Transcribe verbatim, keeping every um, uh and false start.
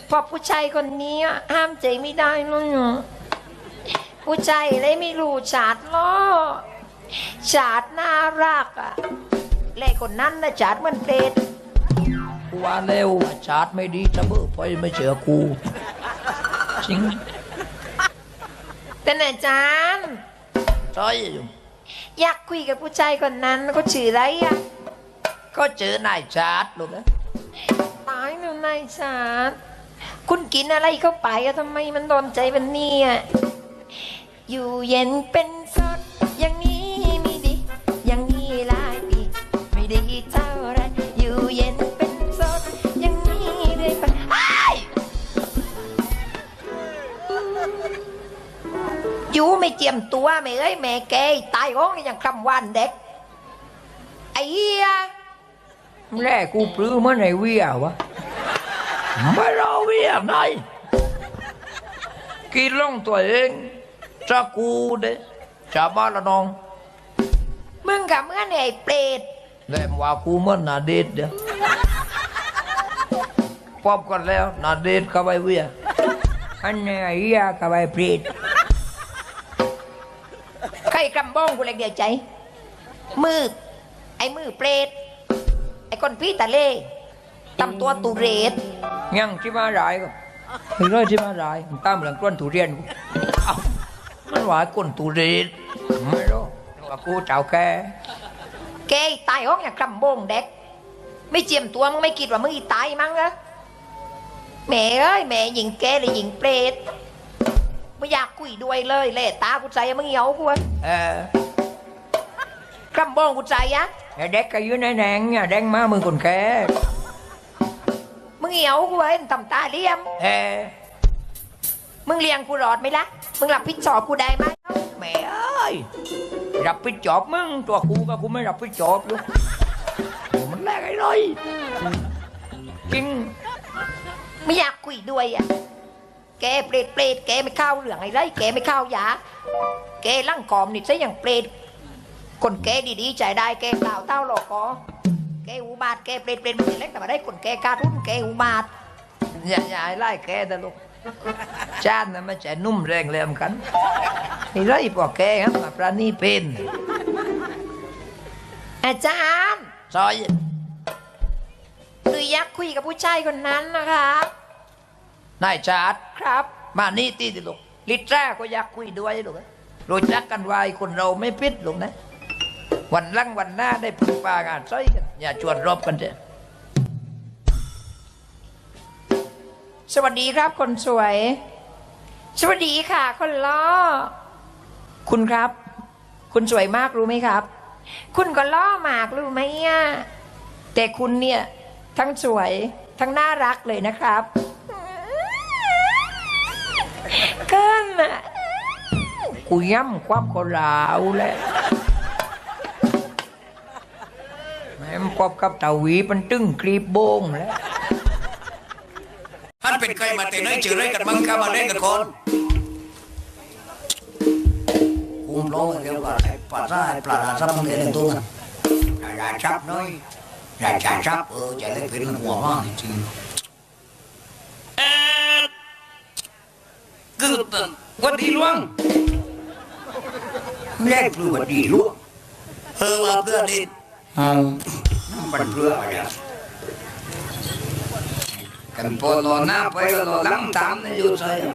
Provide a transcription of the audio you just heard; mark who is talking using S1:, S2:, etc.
S1: พอผู้ชายคนนี้ห้ามใจไม่ได้เลยอ่ะผู้ชายเลยไม่รู้ชาดล้อชาดน่ารักอ่ะเล่คนนั้นนะชาดมันเปรต
S2: กูว่าแล้วชาติไม่ดีจะเบื่อไปไม่เชื่อกูจริง
S1: แต่อาจารย์
S2: ใช่
S1: อยากคุยกับผู้ชายคนนั้นก็ชื่ออะไรอ่ะ
S2: ก็เจอนายชาติลูกนะ
S1: ตายแล้วนายชาดคุณกินอะไรเข้าไปอะทำไมมันโดนใจมันเนี่ยอยู่เย็นเป็นสดอย่างนี้ไม่ดีอย่างนี้หลายปีไม่ดีเท่าไรอยู่เย็นเป็นสดอย่างนี้เลยไปอยู่ไม่เจียมตัวไม่เอ้ยแม่แกตายห้องนี่อย่างคำวันเด็กไอ้เหี้ย
S2: แรกกูปลื้มเมื่อไหนเวียวะไม่รอเวียไหนกินล่องตัวเองจะกูเด้จะบ้านละน้อง
S1: มึงกับเมื่อไหนเปรต
S2: แล้วว่ากูเมื่อนาเดชเดี๋ยวพบกันแล้วนาเดชกับไอ้เวียอันนี้ไอ้เหี้ยกับไอ้เปรต
S1: ใครกำบ้องกูเลยเดียวใจมือไอ้มือเปรตไอ้คนพี่ตะเล่ตำตัวตุเรศ
S2: ยังที่มาหลายก็เฮ้ยที่มาหลายมันตามหลังก้นทุเรียนกูมันว่าก้นทุเรียนไม่รู้ว่ากูเจ้าแก
S1: แกตายห้องอย่างกำบ้องเด็กไม่เจียมตัวมึงไม่คิดว่ามึงอีตายมั้งเหรอแม่เอ้ยแม่หญิงแกเลยหญิงเปรตไม่อยากคุยด้วยเลยเล่ตากูใจมึงเหี่ยวกู
S2: เอ
S1: อกำบ้องกูใจอะ
S2: เด็กก็ยืนในแดงเนี่ยแดงมามึงคนแก่
S1: มึงเหี่ยวกูเอ้ยทำตาเลี้ยม
S2: เออ
S1: มึงเลี้ยงกูรอดไหมล่ะมึงรับผิดชอบกูได้ไหม
S2: แม่เอ้ยรับผิดชอบมึงตัวกูก็กูไม่รับผิดชอบลูกมันแรกไอ้เลยจริง
S1: ไม่อยากคุยด้วยอ่ะแกเปรตเปรตแกไม่เข้าเหลืองไอ้ไรแกไม่เข้ายาแกลั่งกอมนี่ซะอย่างเปรตคนแกดีๆใจได้แกกล่าวเต้าหลอกคอแกอุบาทแกเปรตเปรตมันเล็กแต่มาได้คนแกการุ้นแกอุบาท
S2: อย่าอย่าไล่แกแต่ลูกจานน่ะไม่ใช่นุ่มแรงแรงกันไอ้ไรพวกแกครับมาปราณีเป็น
S1: อาจารย์
S2: ซอย
S1: หรืออยากคุยกับผู้ชายคนนั้นนะคะ
S2: นายชาติ
S1: ครับ
S2: มานี่ตีดิลูกลิตราก็อยากคุยด้วยลูกรู้จักกันไว้คนเราไม่พิษลูกนะวันลังวันหน้าได้พึ่งปางานซอยกันอย่าชวนรบกันเถอะ
S1: สวัสดีครับคนสวยสวัสดีค่ะคนล้อคุณครับคุณสวยมากรู้ไหมครับคุณก็ล้อมากรู้ไหมอ่ะแต่คุณเนี่ยทั้งสวยทั้งน่ารักเลยนะครับเกินอ่ะ
S2: กูย้ำความคนลาวแหละแม่มกบกับตาหวีมันตึ้งคลีบโบงแล้ว
S3: ท่านเป็นใครมาแต่ไหนเจอไรกันมั่งข้ามาเล่นกันคนคุมร้องเดียวกับไอ้ปลาซ่าไอ้ปลาดาซับมันเล่นตัวกันดาซับน้อยดาจ่าซับเออจะเล่นเป็นหัวมากจริงเอ๊ะคือวันดีล่วงแรกคือวันดีล่วงเออว่าเพื่อนดิเอาเป็นเพื่ออะไรกันพอรอหน้าไปก็รอหลังตามนี่อยู่ใช่